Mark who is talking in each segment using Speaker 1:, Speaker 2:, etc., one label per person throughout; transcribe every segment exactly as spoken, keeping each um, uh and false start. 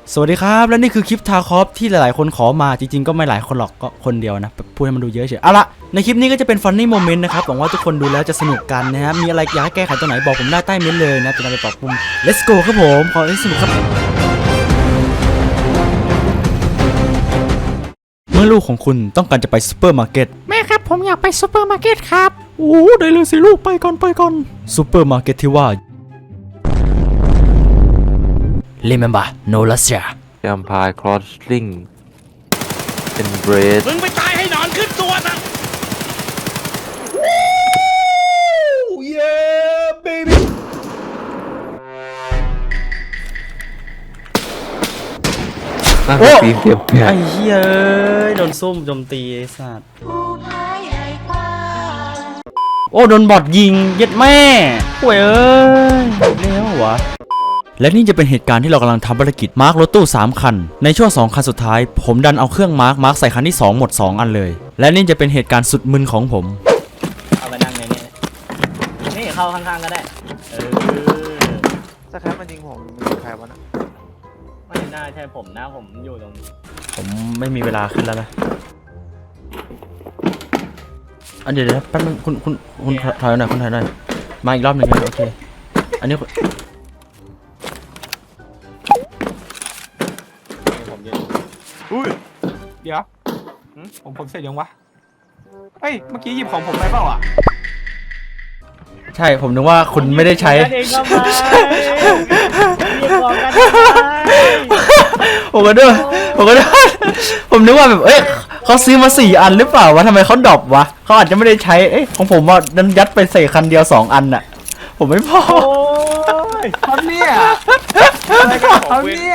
Speaker 1: สวัสดีครับและนี่คือคลิปทาคอฟที่หลายๆคนขอมาจริงๆก็ไม่หลายคนหรอกก็คนเดียวนะพูดให้มันดูเยอะเฉยเอาละในคลิปนี้ก็จะเป็นฟันนี่โมเมนต์นะครับหวังว่าทุกคนดูแล้วจะสนุกกันนะฮะมีอะไรอยากให้แก้ไขตรงไหนบอกผมได้ใต้เม้นต์เลยนะจะนำไปปรับปรุง let's go ครับผมขอให้สนุกครับเมื่อลูกของคุณต้องการจะไปซูเปอร์มาร์เก็ต
Speaker 2: แม่ครับผมอยากไปซูเปอร์มาร์เก็ตครับ
Speaker 1: โอ้ได้เลยสิลูกไปก่อนไปก่อนซูเปอร์มาร์เก็ตที่ว่า remember no Russia
Speaker 3: แอมพายครอสลิงเป็นเบรด
Speaker 4: มึงไปตายให้นอนขึ้นตัวนะเย้เบบี้
Speaker 3: โอ้ปีเทียบแผล
Speaker 1: ไอ้เหี้ยโดนส้มโจมตีไอ้สัตว์โอ้โดนบอทยิงเย็ดแม่ป่วยเอ้ยเลี้ยววะและนี่จะเป็นเหตุการณ์ที่เรากำลังทำภารกิจมาร์ครถตู้สามคันในช่วงสองคันสุดท้ายผมดันเอาเครื่องมาร์คมาร์คใส่คันที่สองหมดสองอันเลยและนี่จะเป็นเหตุการณ์สุดมึนของผม
Speaker 5: เอาไปนั่งในนี้นี่เข้าข้างๆก็ได้เออ
Speaker 6: สักครั้งมันยิงผมมันยิงใครวะนะ
Speaker 5: ไม่น่าใช่ผมนะผมอยู่ตรงนี้
Speaker 1: ผมไม่มีเวลาขึ้นแล้วนะอันเดี๋ยวเดี๋ยวแป๊บนึงคุณคุณคุณถอยหน่อยคุณถอยหน่อยมาอีกรอบหนึ่งนะโอเคอันนี้
Speaker 6: อุ้ยเดี๋ยวผมผมเสร็จยังวะเฮ้ยเมื่อกี้หยิบของผมไปเปล่าอ่ะ
Speaker 1: ใช่ผมนึกว่าคุณไม่ได้ใช้ผมก็ด้วยผมก็ด้วยผมนึกว่าแบบเอ้ยเขาซื้อมาสี่อันหรือเปล่าวะทำไมเขาดรอปวะเขาอาจจะไม่ได้ใช้เอ้ยของผมว่าดันยัดไปใส่คันเดียวสองอันน่ะผมไม่พอ
Speaker 6: ทำเนี่ยอะไรกันทำเนี่ย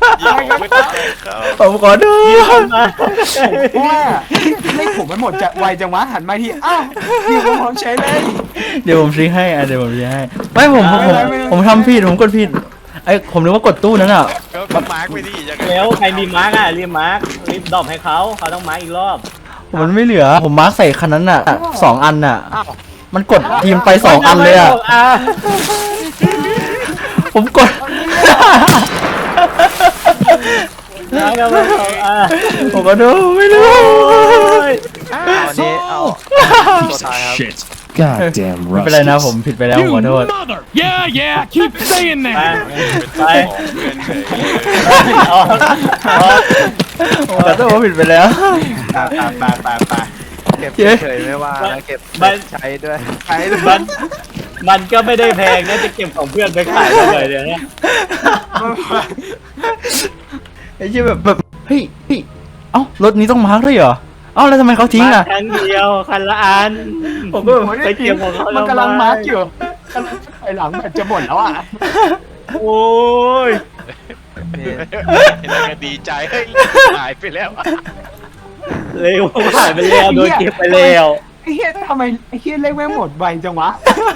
Speaker 1: ผมขอโทษ
Speaker 6: ว่าเลขผมมันหมดจะไวจังวะหันมาทีอ้าวพี่ผมพร้อมใช้เลย
Speaker 1: เดี๋ยวผมซื้อให้อ่ะเดี๋ยวผมซื้อให้ไม่ผมผมผมทำผิดผมกดผิดไอ้ผมนึกว่ากดตู้นั้นอ่ะ
Speaker 4: ก็มาร์กไปดิ
Speaker 5: แล้วใครมีมาร์กอ่ะรีบมาร์กรีบดรอปให้เขาเขาต้องมาร์กอีกรอบ
Speaker 1: มันไม่เหลือผมมาร์กใส่คันนั้นอ่ะสองอันอ่ะมันกดทีมไปสองอันเลยอ่ะผมกดผมก็ดูไม่รู้
Speaker 6: วันนี้เอาตัวท้ายครับ
Speaker 1: God damn ไม่เป็นไรนะผมผิดไปแล้วขอโทษ
Speaker 4: Yeah yeah keep saying that
Speaker 5: ไป
Speaker 1: ขอโทษผมผิดไปแล้ว
Speaker 6: ไปไปไปเก็บเฉยไม่ว่าเก็บใช้ด้วยใช้ด้วย
Speaker 5: มันมันก็ไม่ได้แพงนะจะเก็บของเพื่อนไปขายเลยเดี๋ยวนี้
Speaker 1: ไอ้เชี่ยแบบแบบเฮ้ยพี่เอ้ารถนี้ต้องมาร์กด้วยเหรอเอ้าแล้วทำไมเขาทิ้งอ่ะ
Speaker 5: คันเดียวคันละอัน
Speaker 6: ผมก็ไปเก็บของเขามันกำลังมาร์กอยู่ไอหลังแบบจะหมดแล้วอ่ะ
Speaker 5: โอ้ย
Speaker 4: แล้วก็ดีใจให้หายไปแล้ว
Speaker 5: เร็วหายไปแล้วโดนเก็บไปแล้ว
Speaker 6: ไอ้เฮียทำไมไอ้เฮียเล่นไม่หมดไวจังวะ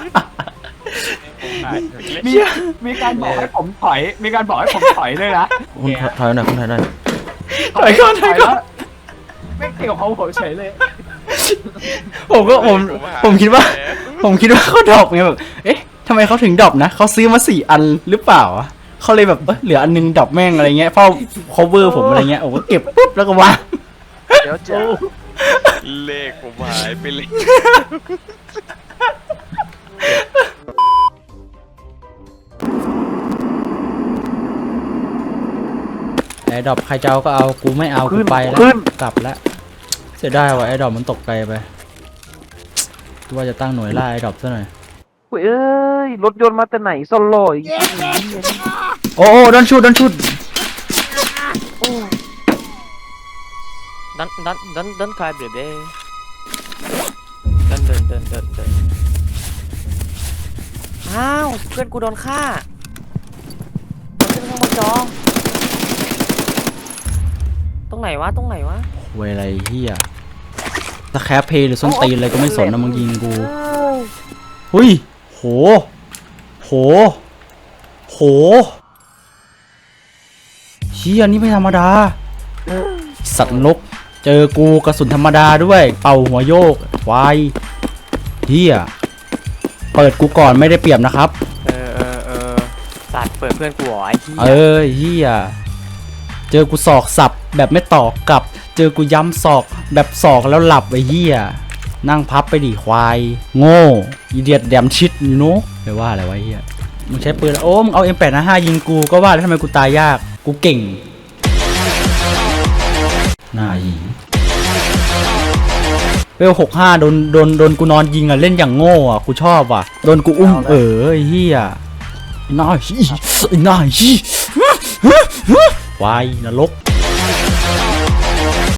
Speaker 6: มีมีการบอกให้ผมถอยมีการบอกให้ผมถอยเลยนะ
Speaker 1: คุณถอยหน่อยคุณถอยหน่อย
Speaker 6: ถอยก่อนถอยก่อนไม่เกี่ยวกับผมเฉยเลย
Speaker 1: ผมก็ผมผมคิดว่าผมคิดว่าเขาดรอปไงแบบเอ๊ะทำไมเขาถึงดรอปนะเขาซื้อมาสี่อันหรือเปล่าเขาเลยแบบเออเหลืออันนึงดรอปแม่งอะไรเงี้ยเฝ้า cover ผมอะไรเงี้ยผมก็เก็บปุ๊บแล้วก็วาง
Speaker 6: เดี๋ยวจะ
Speaker 4: เลขผมหายไปเลย
Speaker 1: ไอ้ดอกใครจะเอาก็เอากูไม่เอากูไปแล้วกลับแล้วเสียดายว่ะไอ้ดอกมันตกไกลไปว่าจะตั้งหน่วยล่าไอ้ดอกซะหน่อย
Speaker 6: เฮ้ยรถยนต์มาแต่ไหนโซโล่อีก
Speaker 1: โอ้โอ้ดันชุดดันชุด
Speaker 5: ดันดันดันดันคลายเดี๋ยวเด้ดันเดินเดินเดินเดินอ้าวเพื่อนกูโดนฆ่าขึ้นข้างบนจอตรงไหนวะตรงไหนวะ
Speaker 1: เวไรเฮียสแคปเพย์หรือส้นตีนอะไรก็ไม่สนนะมึงยิงกูหุยโหโหโหเฮียนี่ไม่ธรรมดาสัตว์นกเจอกูกระสุนธรรมดาด้วยเป่าหัวโยกควายเฮียเปิดกูก่อนไม่ได้เปรียบนะครับ
Speaker 5: เออเออเออสัตว์เปิดเพื่อนกูหรอไอ้เฮีย
Speaker 1: เออเฮียเจอกูศอกสับแบบไม่ตอกกลับ เจอกูย้ำศอกแบบศอกแล้วหลับไอ้เหี้ยนั่งพับไปดิควายโง่อีเดียดแดมชิดยูโน่ไปว่าอะไรวะไอ้เหี้ยมึงใช้ปืนแล้วโอ้มึงเอา เอ็ม แปด ห้ายิงกูก็ว่าแล้วทำไมกูตายยากกูเก่งหน้ายิงเวลหกห้าโดนโดนโดนกูนอนยิงอ่ะเล่นอย่างโง่อ่ะกูชอบอ่ะโดนกูอุ้มเออไอ้เหี้ยหน้าฮีหน้าฮีวายนรก